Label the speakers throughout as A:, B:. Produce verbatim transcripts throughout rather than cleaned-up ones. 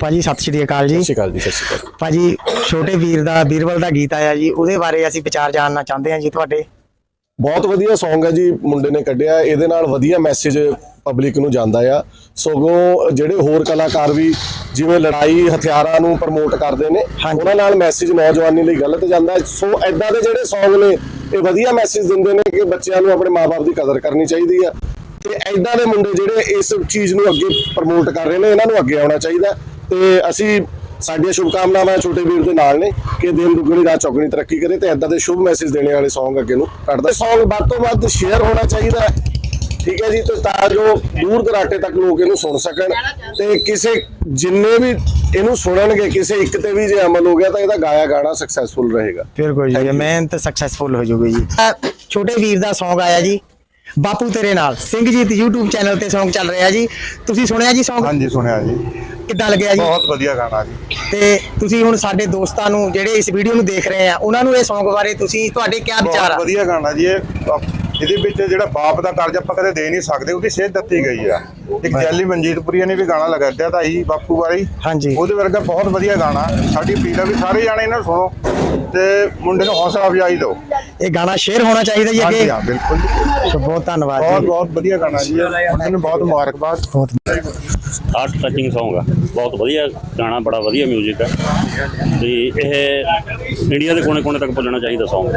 A: ਭਾਜੀ ਸਤਿ ਸ਼੍ਰੀ ਅਕਾਲ ਜੀ।
B: ਸਤਿ ਸ਼੍ਰੀ ਅਕਾਲ ਜੀ। ਸਤਿ ਸ਼੍ਰੀ ਅਕਾਲ
A: ਭਾਜੀ ਛੋਟੇ ਵੀਰ ਦਾ ਵੀਰਵਲ ਦਾ ਗੀਤ ਆਇਆ ਜੀ, ਉਹਦੇ ਬਾਰੇ ਅਸੀਂ ਵਿਚਾਰ ਜਾਣਨਾ ਚਾਹੁੰਦੇ ਹਾਂ ਜੀ ਤੁਹਾਡੇ।
B: ਬਹੁਤ ਵਧੀਆ ਸੌਂਗ ਹੈ ਜੀ, ਮੁੰਡੇ ਨੇ ਕੱਢਿਆ। ਇਹਦੇ ਨਾਲ ਵਧੀਆ ਮੈਸੇਜ ਪਬਲਿਕ ਨੂੰ ਜਾਂਦਾ ਆ। ਸਗੋਂ ਜਿਹੜੇ ਹੋਰ ਕਲਾਕਾਰ ਵੀ ਜਿਵੇਂ ਲੜਾਈ ਹਥਿਆਰਾਂ ਨੂੰ ਪ੍ਰਮੋਟ ਕਰਦੇ ਨੇ, ਉਹਨਾਂ ਨਾਲ ਮੈਸੇਜ ਨੌਜਵਾਨੀ ਲਈ ਗਲਤ ਜਾਂਦਾ। ਸੋ ਐਦਾਂ ਦੇ ਜਿਹੜੇ ਸੌਂਗ ਨੇ ਇਹ ਵਧੀਆ ਮੈਸੇਜ ਦਿੰਦੇ ਨੇ ਕਿ ਬੱਚਿਆਂ ਨੂੰ ਆਪਣੇ ਮਾਪੇ ਦੀ ਕਦਰ ਕਰਨੀ ਚਾਹੀਦੀ ਆ, ਤੇ ਐਦਾਂ ਦੇ ਮੁੰਡੇ ਜਿਹੜੇ ਇਸ ਚੀਜ਼ ਨੂੰ ਅੱਗੇ ਪ੍ਰਮੋਟ ਕਰ ਰਹੇ ਨੇ, ਇਹਨਾਂ ਨੂੰ ਅੱਗੇ ਆਉਣਾ ਚਾਹੀਦਾ। ਤੇ ਅਸੀਂ ਸਾਡੀਆਂ ਸ਼ੁਭਕਾਮਨਾਵਾਂ ਛੋਟੇ ਵੀਰ ਦੇ ਨਾਲ ਨੇ ਕਿ ਦਿਨ ਦੁਗਣੀ ਰਾਤ ਚੌਗਣੀ ਤਰੱਕੀ ਕਰੇ ਤੇ ਐਦਾਂ ਦੇ ਸ਼ੁਭ ਮੈਸੇਜ ਦੇਣੇ ਵਾਲੇ ਸੌਂਗ ਅੱਗੇ ਨੂੰ ਕੱਢਦਾ। ਸੌਂਗ ਵੱਧ ਤੋਂ ਵੱਧ ਸ਼ੇਅਰ ਹੋਣਾ ਚਾਹੀਦਾ, ਠੀਕ ਹੈ ਜੀ, ਤੇ ਤਾਂ ਜੋ ਦੂਰ ਦਰਾਟੇ ਤੱਕ ਲੋਕ ਇਹਨੂੰ ਸੁਣ ਸਕਣ। ਤੇ ਕਿਸੇ ਜਿੰਨੇ ਵੀ ਇਹਨੂੰ ਸੁਣਨਗੇ, ਕਿਸੇ ਇੱਕ ਤੇ ਵੀ ਜੇ ਅਮਲ ਹੋ ਗਿਆ ਤਾਂ ਇਹਦਾ ਗਾਇਆ ਗਾਣਾ ਸਕਸੈਸਫੁਲ ਰਹੇਗਾ।
A: ਬਿਲਕੁਲ ਜੀ, ਮਿਹਨਤ ਸਕਸੈਸਫੁਲ ਹੋ ਜਾਊਗੀ ਜੀ। ਛੋਟੇ ਵੀਰ ਦਾ ਸੌਂਗ ਆਇਆ ਜੀ, ਬਾਪੂ ਤੇਰੇ ਨਾਲ। ਸਿੰਘਜੀਤ YouTube ਚੈਨਲ ਤੇ ਸੌਂਗ ਚੱਲ ਰਿਹਾ ਜੀ, ਤੁਸੀਂ ਸੁਣਿਆ ਜੀ ਸੌਂਗ?
C: ਹਾਂਜੀ ਸੁਣਿਆ ਜੀ।
A: ਕਿੱਦਾਂ ਲੱਗਿਆ ਜੀ?
C: ਬਹੁਤ ਵਧੀਆ ਗਾਣਾ ਜੀ।
A: ਤੇ ਤੁਸੀਂ ਹੁਣ ਸਾਡੇ ਦੋਸਤਾਂ ਨੂੰ ਜਿਹੜੇ ਇਸ ਵੀਡੀਓ ਨੂੰ ਦੇਖ ਰਹੇ ਆ, ਉਹਨਾਂ ਨੂੰ ਇਹ ਸੌਂਗ ਬਾਰੇ ਤੁਸੀਂ ਤੁਹਾਡੇ ਕੀ ਵਿਚਾਰ ਆ?
C: ਬਹੁਤ ਵਧੀਆ ਗਾਣਾ ਜੀ। ਇਹ ਇਹਦੇ ਵਿੱਚ ਜਿਹੜਾ ਬਾਪ ਦਾ ਕਰਜ਼ ਆਪਾਂ ਕਦੇ ਦੇ ਨਹੀਂ ਸਕਦੇ, ਉਹਦੀ ਸੇਧ ਦਿੱਤੀ ਗਈ ਆ। ਇੱਕ ਜੈਲੀ ਮਨਜੀਤਪੁਰੀਆ ਨੇ ਵੀ ਗਾਣਾ ਲਗਾਇਆ ਤਾਂ ਜੀ ਬਾਪੂ ਬਾਰੇ,
A: ਹਾਂਜੀ, ਉਹਦੇ
C: ਵਰਗਾ ਬਹੁਤ ਵਧੀਆ ਗਾਣਾ। ਸਾਡੀ ਅਪੀਲ ਆ ਵੀ ਸਾਰੇ ਜਾਣੇ ਇਹਨਾਂ ਨੂੰ ਸੁਣੋ ਤੇ ਮੁੰਡੇ ਨੂੰ ਹੌਸਲਾ ਅਫਜ਼ਾਈ ਦਿਓ।
A: ਇਹ ਗਾਣਾ ਸ਼ੇਅਰ ਹੋਣਾ ਚਾਹੀਦਾ ਜੀ ਅੱਗੇ।
C: ਹਾਂ ਬਿਲਕੁਲ ਜੀ,
A: ਬਹੁਤ ਧੰਨਵਾਦ ਜੀ।
C: ਬਹੁਤ ਬਹੁਤ ਵਧੀਆ ਗਾਣਾ ਜੀ, ਉਹਨਾਂ ਨੂੰ ਬਹੁਤ ਮੁਬਾਰਕਬਾਦ।
D: ਹਾਰਟ ਟੱਚਿੰਗ ਸੌਂਗ ਆ, ਬਹੁਤ ਵਧੀਆ ਗਾਣਾ, ਬੜਾ ਵਧੀਆ ਮਿਊਜ਼ਿਕ ਆ ਤੇ ਇਹ ਇੰਡੀਆ ਦੇ ਕੋਨੇ ਕੋਨੇ ਤੱਕ ਪਹੁੰਚਣਾ ਚਾਹੀਦਾ ਸੌਂਗ।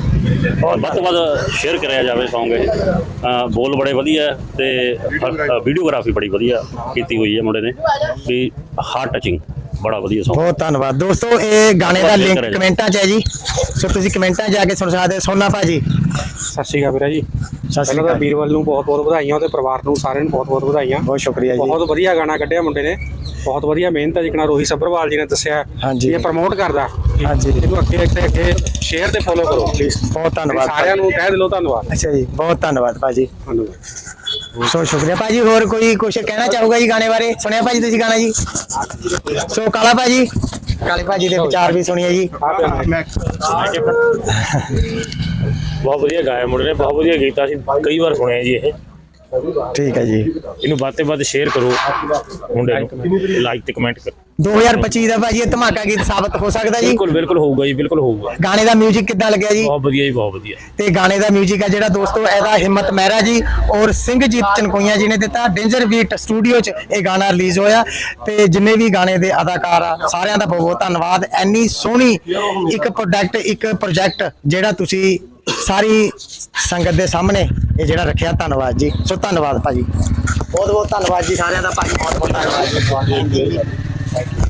D: ਵੱਧ ਤੋਂ ਵੱਧ ਸ਼ੇਅਰ ਕਰਿਆ ਜਾਵੇ ਸੌਂਗ। ਇਹ ਬੋਲ ਬੜੇ ਵਧੀਆ ਤੇ ਵੀਡੀਓਗ੍ਰਾਫੀ ਬੜੀ ਵਧੀਆ ਕੀਤੀ ਹੋਈ ਹੈ ਮੁੰਡੇ ਨੇ ਵੀ। ਹਾਰਟ ਟੱਚਿੰਗ ਬੜਾ ਵਧੀਆ ਸੌਂਗ।
A: ਬਹੁਤ ਧੰਨਵਾਦ ਦੋਸਤੋ। ਇਹ ਗਾਣੇ ਦਾ ਲਿੰਕ ਕਮੈਂਟਾਂ 'ਚ ਹੈ ਜੀ, ਸੋ ਤੁਸੀਂ ਕਮੈਂਟਾਂ 'ਚ ਜਾ ਕੇ ਸੁਣ ਸਕਦੇ। ਸੋਨਾ ਭਾਜੀ
E: ਸਤਿ ਸ਼੍ਰੀ ਅਕਾਲ ਵੀਰਾ ਜੀ। ਪਹਿਲਾਂ ਤਾਂ ਵੀਰਵਲ ਨੂੰ ਬਹੁਤ ਬਹੁਤ ਵਧਾਈਆਂ, ਉਹਦੇ ਪਰਿਵਾਰ ਨੂੰ ਸਾਰਿਆਂ ਨੂੰ ਬਹੁਤ ਬਹੁਤ ਵਧਾਈਆਂ।
A: ਬਹੁਤ ਸ਼ੁਕਰੀਆ ਜੀ।
E: ਬਹੁਤ ਵਧੀਆ ਗਾਣਾ ਕੱਢਿਆ ਮੁੰਡੇ ਨੇ, ਬਹੁਤ ਵਧੀਆ ਮਿਹਨਤ ਹੈ। ਜਿਕਣਾ ਰੋਹਿਤ ਸੱਭਰਵਾਲ ਜੀ ਨੇ ਦੱਸਿਆ,
A: ਹਾਂਜੀ,
E: ਇਹ ਪ੍ਰਮੋਟ ਕਰਦਾ।
A: ਹਾਂਜੀ,
E: ਇਹਨੂੰ ਅੱਗੇ ਅੱਗੇ ਅੱਗੇ ਸ਼ੇਅਰ ਤੇ ਫੋਲੋ ਕਰੋ ਪਲੀਜ਼।
A: ਬਹੁਤ ਧੰਨਵਾਦ
E: ਸਾਰਿਆਂ ਨੂੰ ਕਹਿ ਦਿਲੋਂ ਧੰਨਵਾਦ।
A: ਅੱਛਾ ਜੀ, ਬਹੁਤ ਧੰਨਵਾਦ ਭਾਜੀ।
E: ਧੰਨਵਾਦ।
A: ਸੋ ਸ਼ੁਕਰੀਆ ਭਾਜੀ। ਹੋਰ ਕੋਈ ਕੁਛ ਕਹਿਣਾ ਚਾਹੂਗਾ ਜੀ ਗਾਣੇ ਬਾਰੇ? ਸੁਣਿਆ ਭਾਜੀ ਤੁਸੀਂ ਗਾਣਾ ਜੀ? ਸੋ ਕਾਲਾ ਭਾਜੀ, ਕਾਲੇ ਭਾਜੀ ਦੇ ਵਿਚਾਰ ਵੀ ਸੁਣੀਏ ਜੀ।
F: ਬਹੁਤ ਵਧੀਆ ਗਾਇਆ ਮੁੰਡੇ ਨੇ, ਬਹੁਤ ਵਧੀਆ ਗੀਤ। ਅਸੀਂ ਕਈ ਵਾਰ ਸੁਣਿਆ ਜੀ ਇਹ।
A: ਠੀਕ ਹੈ ਜੀ,
F: ਇਹਨੂੰ ਵੱਧ ਤੋਂ ਵੱਧ ਸ਼ੇਅਰ ਕਰੋ, ਮੁੰਡੇ ਨੂੰ ਲਾਈਕ ਤੇ ਕਮੈਂਟ ਕਰੋ।
A: ਦੋ ਹਜ਼ਾਰ ਪੱਚੀ ਦਾ ਭਾਜੀ ਇਹ ਧਮਾਕਾ ਗੀਤ ਸਾਬਤ ਹੋ ਸਕਦਾ ਜੀ?
F: ਬਿਲਕੁਲ ਬਿਲਕੁਲ ਹੋਊਗਾ ਜੀ, ਬਿਲਕੁਲ ਹੋਊਗਾ।
A: ਗਾਣੇ ਦਾ ਮਿਊਜ਼ਿਕ ਕਿੱਦਾਂ ਲੱਗਿਆ ਜੀ?
F: ਬਹੁਤ ਵਧੀਆ ਜੀ, ਬਹੁਤ ਵਧੀਆ।
A: ਤੇ ਗਾਣੇ ਦਾ ਮਿਊਜ਼ਿਕ ਹੈ ਜਿਹੜਾ ਦੋਸਤੋ ਇਹਦਾ ਹਿੰਮਤ ਮਹਿਰਾ ਜੀ ਔਰ ਸਿੰਘਜੀਤ ਚਨਕੋਈਆ ਜੀ ਨੇ ਦਿੱਤਾ। ਡੇਂਜਰ ਬੀਟ ਸਟੂਡੀਓ 'ਚ ਇਹ ਗਾਣਾ ਰਿਲੀਜ਼ ਹੋਇਆ। ਤੇ ਜਿੰਨੇ ਵੀ ਗਾਣੇ ਦੇ ਅਦਾਕਾਰ ਆ ਸਾਰਿਆਂ ਦਾ ਬਹੁਤ ਬਹੁਤ ਧੰਨਵਾਦ। ਐਨੀ ਸੋਹਣੀ ਇੱਕ ਪ੍ਰੋਡਕਟ, ਇੱਕ ਪ੍ਰੋਜੈਕਟ ਜਿਹੜਾ ਤੁਸੀਂ ਸਾਰੀ ਸੰਗਤ ਦੇ ਸਾਹਮਣੇ ਇਹ ਜਿਹੜਾ ਰੱਖਿਆ, ਧੰਨਵਾਦ ਜੀ। ਸੋ ਧੰਨਵਾਦ ਭਾਜੀ, ਬਹੁਤ ਬਹੁਤ ਧੰਨਵਾਦ ਜੀ ਸਾਰਿਆਂ ਦਾ ਭਾਜੀ, ਬਹੁਤ ਬਹੁਤ ਧੰਨਵਾਦ ਜੀ।